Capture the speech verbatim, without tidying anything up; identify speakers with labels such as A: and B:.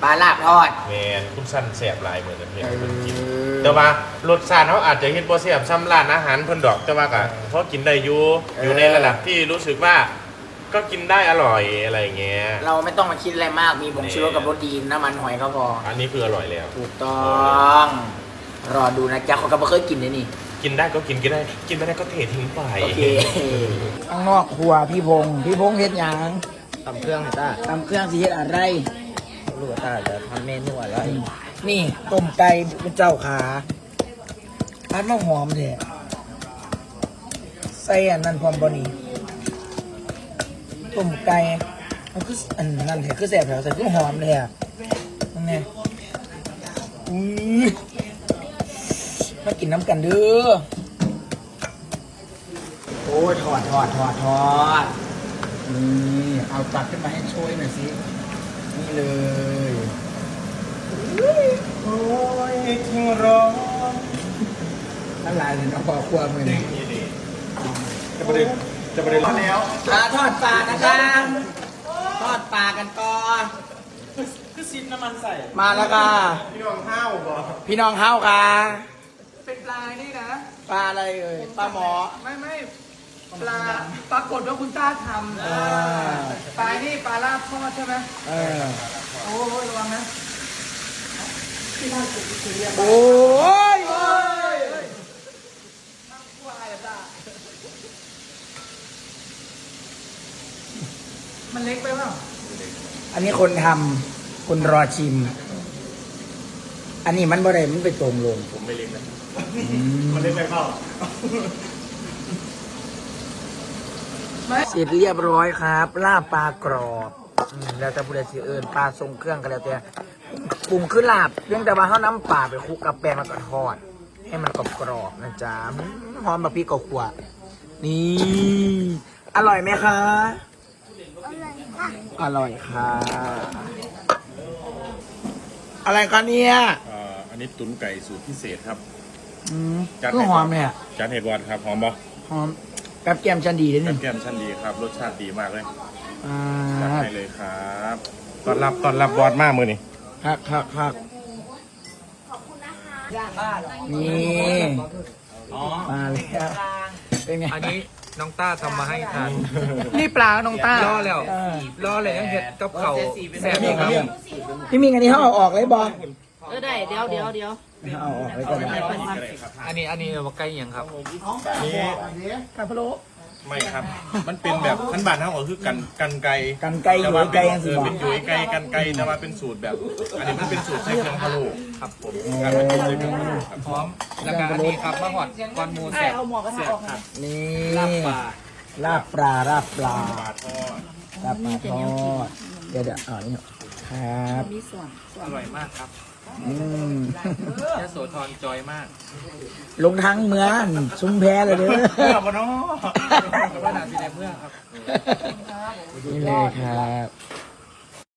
A: ปลาลาบทอด
B: แมนคุณสั้นแสบหลายเหมือนกันเพียงเพิ่นกินแต่ว่ารสชาติเขาอาจจะเฮ็ดบ่แซ่บซ้ำร้านอาหารเพิ่นดอกแต่ว่าก็พอกินได้อยู่อยู่ในระดับที่รู้สึกว่าก็กินได้อร่อยอะไรเงี้ย
A: เราไม่ต้องมาคิดอะไรมากมีผงชูรสกับรสดีน้ำมันหอยก็พอ
B: อันนี้คืออร่อยแล้ว
A: ถูกต้องรอดูนะจ๊ะเขาก็ไม่เคยกินเลยนี่
B: กินได้ก็กินกินได้กินไม่ได้ก็เททิ้งไป
A: โอเคข้างนอกครัวพี่พงษ์พี่พงษ์เฮ็ดหยัง
C: ตำเครื่องให้ต้า
A: ตำเครื่องสิเฮ็ดอะไร
C: ลูกต้าจะทำเมนูอะไร
A: นี่ต้มไก่เป็นเจ้าขาอันมะหอมแท้ใส่อันนั้นพร้อมบ่นี่ต้มไก่มันคืออันนั้นแท้คือแซ่บแท้ใส่คือหอมแท้นั่นไงอุ้ยมากินน้ำกันเด้อโอ้ยทอดทอดทอดทอดนี่เอาตักขึ้นมาให้ช่วยหน่อยสินี่เลย
B: โอ้ยทิ้งร้อน
A: นั่นลายเลยนะพอครัวมือนี่
B: จะประเด็นจะประเด็นแล้ว
A: ปลาทอดปลานะครับทอดปลากันก่อน
B: คือซิดน้ำมันใส่
A: มาแล้วค่ะ
B: พี่น้องห้าวบ่
A: พี่น้องห้าวค่ะ
D: เป็นปลานี่นะ
A: ปลาอะไรเอ่ยปลาหมอ
D: ไม่ไม่ปลาปรากฏว่าคุณต้าทำปลานี่ปลาลาบทอดใช่ไหม
A: เออ
D: โอ้ยระวังนะ
A: โอ้ย
D: มันเล็กไปเปล่า
A: อันนี้คนทำคนรอชิมอันนี้มันบ่ได้มันไปตรงลง
B: ผมไม่เล็กนะมันเล็กไปเปล่า
A: เสร็จเรียบร้อยครับลาบปลากรอบแล้วแต่ผู้ใดสิเอิญปลาทรงเครื่องก็แล้วแต่ปรุงขึ้นลาบเพียงแต่ว่าเขาน้ำปลาไปคลุกกับแป้งแล้วก็ทอดให้มันกรอบๆนะจ๊ะหอมแบบพี่กขวดนี่อร่อยไหมคะอร่อยค่ะอะไรกันเนี่ย
B: อันนี้ตุ๋นไก่สูตรพิเศษครับ
A: อืมก็หอมเนี่ย
B: จานเห็ดวอดครับหอมบ่
A: หอมกับแก้มชั้นดีเลยนี่
B: แก้มชั้นดีครับรสชาติดีมากเลย
A: อ่า
B: จัดให้เลยครับตอนรับตอนรับบอดมากมือนี่
A: ครับครับครับขอบคุณนะคะนี่มาแล้วเป็นไง
C: อันนี้น้องต้าทำมาให้ทาน
D: นี่ปลาน้องต้า
C: ล่อแล้วล่อเลยยังเห็ดกับเขาแซ่บครับ
A: พี่มิงอันนี้เขาเอาออกเลยบอล
E: เออได้เดี๋ยวเดี๋ยวเดี๋ยว
A: เอาออกเลยก่อน
C: อันนี้อันนี้มาใกล้ยังครับ
B: นี่
A: กาพะโล้
B: ไม่ครับมันเป็นแบบขั้นบานเท่ากับคือกันกันไก่
A: กันไก่อยู่ไก่ยังสิ
B: เป็นอยู่ไก่กันไก่แต่ว่าเป็นสูตรแบบอันนี้มันเป็นสูตรใช้เครื่องพะโล้ครับผมการเป็นสูตรใช้เครื่องพะโล้ครับ
C: พร้อมแล้วก็อันนี้ครับมะฮอดก้อนมูแซ่บ
E: เอาหมอกระทะออกค่ะ
A: นี่
C: ลาบปลา
A: ลาบปลาลาบปลา
B: ทอด
A: ลาบปลาทอดเดี๋ยวเดี๋ยวอ๋อนี่ครับ
E: มีส่วน
C: อร่อยมากครับ
A: อืม
C: ยโสธรจอยมาก
A: ลงทั้งเมืองซุ้มแพ้เลยเด้อเ
B: มื่อปะเนาะ
C: ว่าหนาสีในเมืองครับ
A: นี่เลยครับ